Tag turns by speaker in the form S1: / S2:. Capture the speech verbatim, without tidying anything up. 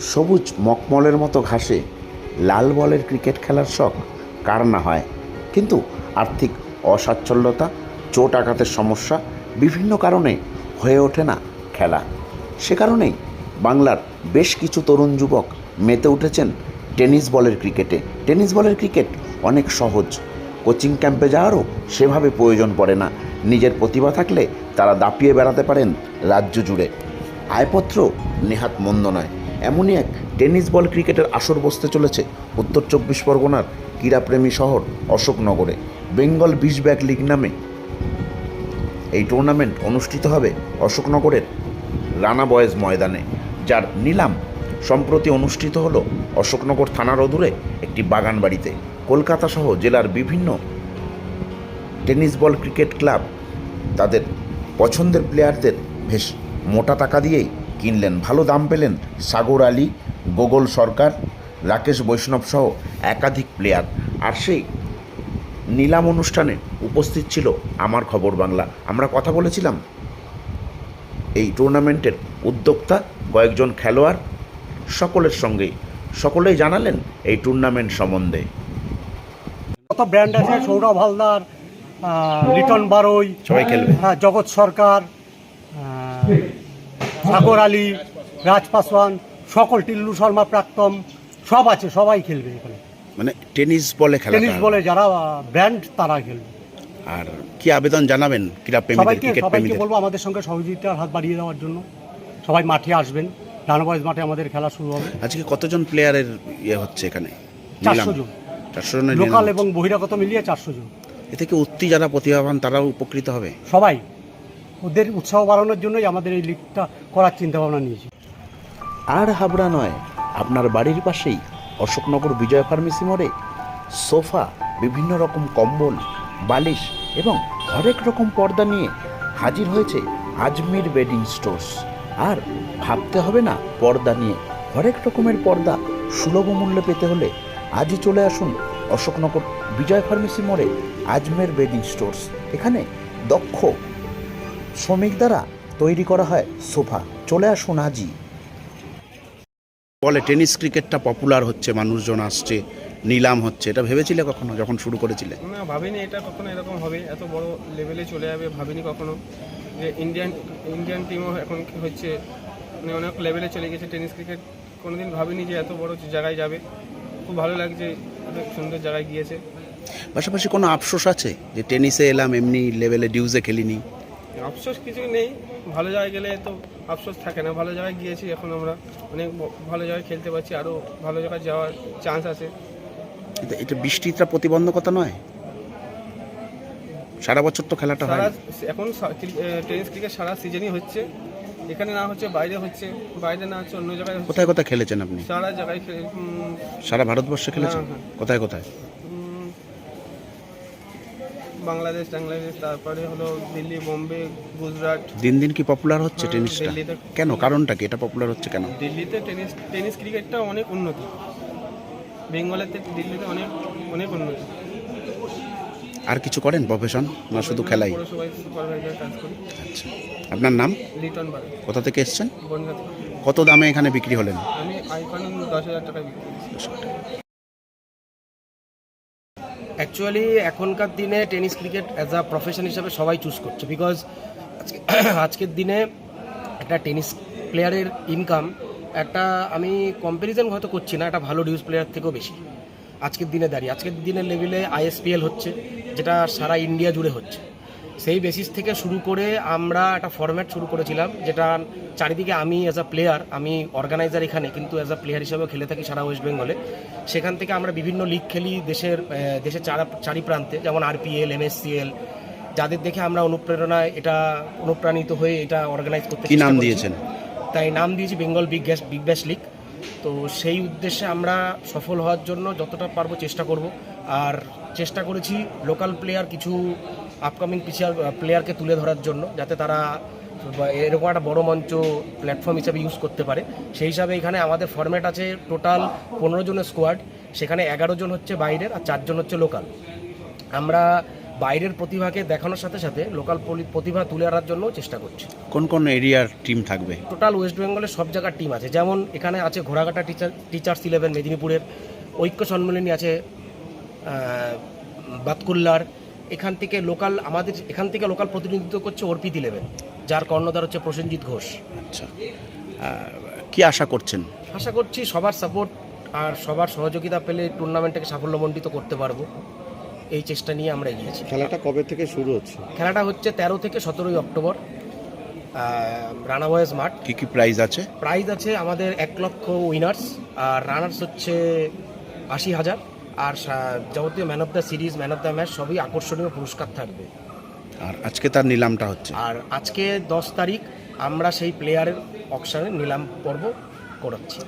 S1: সবুজ মখমলের মতো ঘাসে লাল বলের ক্রিকেট খেলার শখ কার না হয়, কিন্তু আর্থিক অসাচ্ছল্যতা, চোট আঘাতের সমস্যা, বিভিন্ন কারণে হয়ে ওঠে না খেলা। সে কারণেই বাংলার বেশ কিছু তরুণ যুবক মেতে উঠেছেন টেনিস বলের ক্রিকেটে। টেনিস বলের ক্রিকেট অনেক সহজ, কোচিং ক্যাম্পে যাওয়ারও সেভাবে প্রয়োজন পড়ে না। নিজের প্রতিভা থাকলে তারা দাপিয়ে বেড়াতে পারেন রাজ্য জুড়ে। আয়পত্র নেহাত মন্দ নয়, এমনই এক টেনিস বল ক্রিকেটের আসর বসতে চলেছে উত্তর চব্বিশ পরগনার ক্রীড়াপ্রেমী শহর অশোকনগরে। বেঙ্গল বিশ ব্যাগ লিগ নামে এই টুর্নামেন্ট অনুষ্ঠিত হবে অশোকনগরের রানা বয়েজ ময়দানে, যার নিলাম সম্প্রতি অনুষ্ঠিত হলো অশোকনগর থানার অদূরে একটি বাগান বাড়িতে। কলকাতা সহ জেলার বিভিন্ন টেনিস বল ক্রিকেট ক্লাব তাদের পছন্দের প্লেয়ারদের বেশ মোটা টাকা দিয়েই কিনলেন। ভালো দাম পেলেন সাগর আলী, গোগল সরকার, রাকেশ বৈষ্ণব সহ একাধিক প্লেয়ার। আর সেই নিলাম অনুষ্ঠানে উপস্থিত ছিল আমার খবর বাংলা। আমরা কথা বলেছিলাম এই টুর্নামেন্টের উদ্যোক্তা কয়েকজন খেলোয়াড় সকলের সঙ্গেই। সকলেই জানালেন এই টুর্নামেন্ট সম্বন্ধে।
S2: কত ব্র্যান্ড আছে, সৌরভ হালদার, লিটন বারোই,
S1: সবাই খেলবে,
S2: হ্যাঁ, জগৎ সরকার, সাগর আলী, রাজ পাসওয়ান, সকল, টিল্লু শর্মা প্রাক্তন, সব আছে, সবাই খেলবে এখানে।
S1: মানে টেনিস বলে খেলা,
S2: টেনিস বলে যারা ব্র্যান্ড তারা খেলবে।
S1: আর কি আবেদন জানাবেন ক্রীড়াপ্রেমীদের,
S2: সবাইকে
S1: ক্রিকেট
S2: সবাইকে
S1: প্রেমীদের?
S2: বলবো আমাদের সঙ্গে সহযোগিতার হাত বাড়িয়ে দেওয়ার জন্য। সবাই মাঠে আসবেন, রানা বয়েজ মাঠে আমাদের খেলা শুরু হবে।
S1: আজকে কতজন প্লেয়ারের ইয়ে হচ্ছে এখানে?
S2: চারশো জন,
S1: চারশো জনের
S2: লোকাল এবং বহিরাগত মিলিয়ে চারশো জন।
S1: এ থেকে উত্তি যারা প্রতিভাবান তারাও উপকৃত হবে।
S2: সবাই, ওদের উৎসাহ বাড়ানোর জন্যই আমাদের এই লিগটা করার চিন্তা ভাবনা নিয়েছি।
S1: আর হাবড়া নয়, আপনার বাড়ির পাশেই অশোকনগর বিজয় ফার্মেসি মোড়ে সোফা, বিভিন্ন রকম কম্বল, বালিশ এবং হরেক রকম পর্দা নিয়ে হাজির হয়েছে আজমির বেডিং স্টোর্স। আর ভাবতে হবে না পর্দা নিয়ে, হরেক রকমের পর্দা সুলভ মূল্যে পেতে হলে আজই চলে আসুন অশোকনগর বিজয় ফার্মেসি মোড়ে আজমের বেডিং স্টোর্স। এখানে দক্ষ শ্রমিক দ্বারা তৈরি করা হয় সোফা। চলে আসুন আজই। বলে টেনিস ক্রিকেটটা পপুলার হচ্ছে, মানুষজন আসছে, নিলাম হচ্ছে, এটা ভেবেছিলে কখনো যখন শুরু করেছিলে?
S3: না, ভাবিনি এটা কখনো এরকম হবে, এত বড় লেভেলে চলে যাবে ভাবিনি কখনো। যে ইন্ডিয়ান ইন্ডিয়ান টিমও এখন হচ্ছে, মানে অনেক লেভেলে চলে গেছে টেনিস ক্রিকেট। কোনোদিন ভাবিনি যে এত বড় জায়গায় যাবে। খুব ভালো লাগছে, অনেক সুন্দর জায়গায় গিয়েছে।
S1: পাশাপাশি কোনো আফসোস আছে যে টেনিসে এলাম, এমনি লেভেলে ডিউজে খেলিনি?
S3: আফসোস কিছু নেই, ভালো জায়গায় গেলে তো আফসোস থাকে না। ভালো জায়গায় গিয়েছি, এখন আমরা অনেক ভালো জায়গায় খেলতে পারছি, আরও ভালো জায়গায় যাওয়ার চান্স আছে।
S1: এটা এটা বৃষ্টিটা প্রতিবন্ধকতা নয়? সারা বছর তো খেলাটা হয়।
S3: সারা এখন টেনিস ক্রিকেট সারা সিজনই হচ্ছে, এখানে না হচ্ছে বাইরে হচ্ছে, বাইরে না হচ্ছে অন্য জায়গায় হচ্ছে।
S1: কোথায় কোথায় খেলেছেন আপনি?
S3: সারা জায়গায় খেলে, উম,
S1: সারা ভারতবর্ষে খেলেছেন?
S3: হ্যাঁ, হ্যাঁ।
S1: কোথায় কোথায়?
S3: উম, বাংলাদেশ বাংলাদেশ তারপরে হলো দিল্লি, বোম্বে, গুজরাট।
S1: দিন দিন কি পপুলার হচ্ছে
S3: হ্যাঁ,
S1: টেনিসটা?
S3: দিল্লিতে।
S1: কেন, কারণটা কি এটা পপুলার হচ্ছে কেন?
S3: দিল্লিতে টেনিস টেনিস ক্রিকেটটা অনেক উন্নতি, বেঙ্গলেতে দিল্লিতে অনেক অনেক উন্নতি।
S1: আর কিছু করেন প্রফেশন না শুধু খেলাই?
S3: পৌরসভায় সুপারভাইজার কাজ করি।
S1: আচ্ছা, আপনার নাম?
S3: লিটন বারে,
S1: কোথা থেকে এসেছেন?
S3: বনগাঁ থেকে।
S1: কত দামে এখানে বিক্রি হলেন?
S3: আমি আইকন দশ হাজার টাকায় বিক্রি করেছি।
S4: অ্যাকচুয়ালি এখনকার দিনে tennis cricket as a profession হিসাবে সবাই চুজ করছে, বিকজ আজকে আজকের দিনে একটা টেনিস প্লেয়ারের ইনকাম, একটা আমি কম্প্যারিজন হয়তো করছি না, একটা ভালো ডিউজ প্লেয়ার থেকেও বেশি আজকের দিনে দাঁড়িয়ে। আজকের দিনের লেভেলে আইএসপিএল হচ্ছে, যেটা সারা ইন্ডিয়া জুড়ে হচ্ছে। সেই বেসিস থেকে শুরু করে আমরা একটা ফরম্যাট শুরু করেছিলাম, যেটা চারিদিকে আমি অ্যাজ আ প্লেয়ার, আমি অর্গানাইজার এখানে, কিন্তু অ্যাজ আ প্লেয়ার হিসেবেও খেলে থাকি সারা ওয়েস্ট বেঙ্গলে। সেখান থেকে আমরা বিভিন্ন লিগ খেলি দেশের দেশের চারা চারি প্রান্তে, যেমন আরপিএল, এমএসসিএল, যাদের দেখে আমরা অনুপ্রেরণায় এটা অনুপ্রাণিত হয়ে এটা অর্গানাইজ করতে।
S1: কি নাম দিয়েছেন?
S4: তাই নাম দিয়েছি Bengal big gas big bash league. তো সেই উদ্দেশ্যে আমরা সফল হওয়ার জন্য যতটা পারবো চেষ্টা করব। আর চেষ্টা করেছি লোকাল প্লেয়ার, কিছু আপকামিং পিচার প্লেয়ারকে তুলে ধরার জন্য, যাতে তারা এরকম একটা বড় মঞ্চ প্ল্যাটফর্ম হিসাবে ইউজ করতে পারে। সেই হিসাবে এখানে আমাদের ফরম্যাট আছে টোটাল পনেরো জনের স্কোয়াড, সেখানে এগারো জন হচ্ছে বাইরের আর চারজন হচ্ছে লোকাল। আমরা বাইরের প্রতিভাকে দেখানোর সাথে সাথে লোকাল প্রতিভা তুলে আনার জন্য চেষ্টা করছি।
S5: কোন কোন এরিয়ার টিম থাকবে?
S4: টোটাল ওয়েস্ট বেঙ্গলের সব জায়গার টিম আছে, যেমন এখানে আছে ঘোড়াঘাটা টিচার টিচার্স ইলেভেন মেদিনীপুরের, ঐক্য সম্মেলনী আছে বাতকুল্লার, এখান থেকে লোকাল আমাদের এখান থেকে লোকাল প্রতিনিধিত্ব করছে অর্পিত ইলেভেন, যার কর্ণধার হচ্ছে প্রসেনজিৎ ঘোষ।
S5: আচ্ছা, কি আশা করছেন?
S4: আশা করছি সবার সাপোর্ট আর সবার সহযোগিতা পেলে টুর্নামেন্টটাকে সাফল্যমণ্ডিত করতে পারবো, এই চেষ্টা নিয়ে আমরা এগিয়েছি।
S6: খেলাটা কবে থেকে শুরু হচ্ছে?
S4: খেলাটা হচ্ছে তেরো থেকে সতেরোই অক্টোবর, রানা বয়েজ মাঠ।
S5: কি কি প্রাইজ আছে?
S4: প্রাইজ আছে আমাদের এক লক্ষ উইনার্স, আর রানার্স হচ্ছে আশি হাজার, আর যাবতীয় man of the series, man of the match সবই আকর্ষণীয় পুরস্কার থাকবে।
S5: আর আজকে তার নিলামটা হচ্ছে?
S4: আর আজকে দশ তারিখ আমরা সেই প্লেয়ারের অকশনে নিলাম পর্ব করাচ্ছি।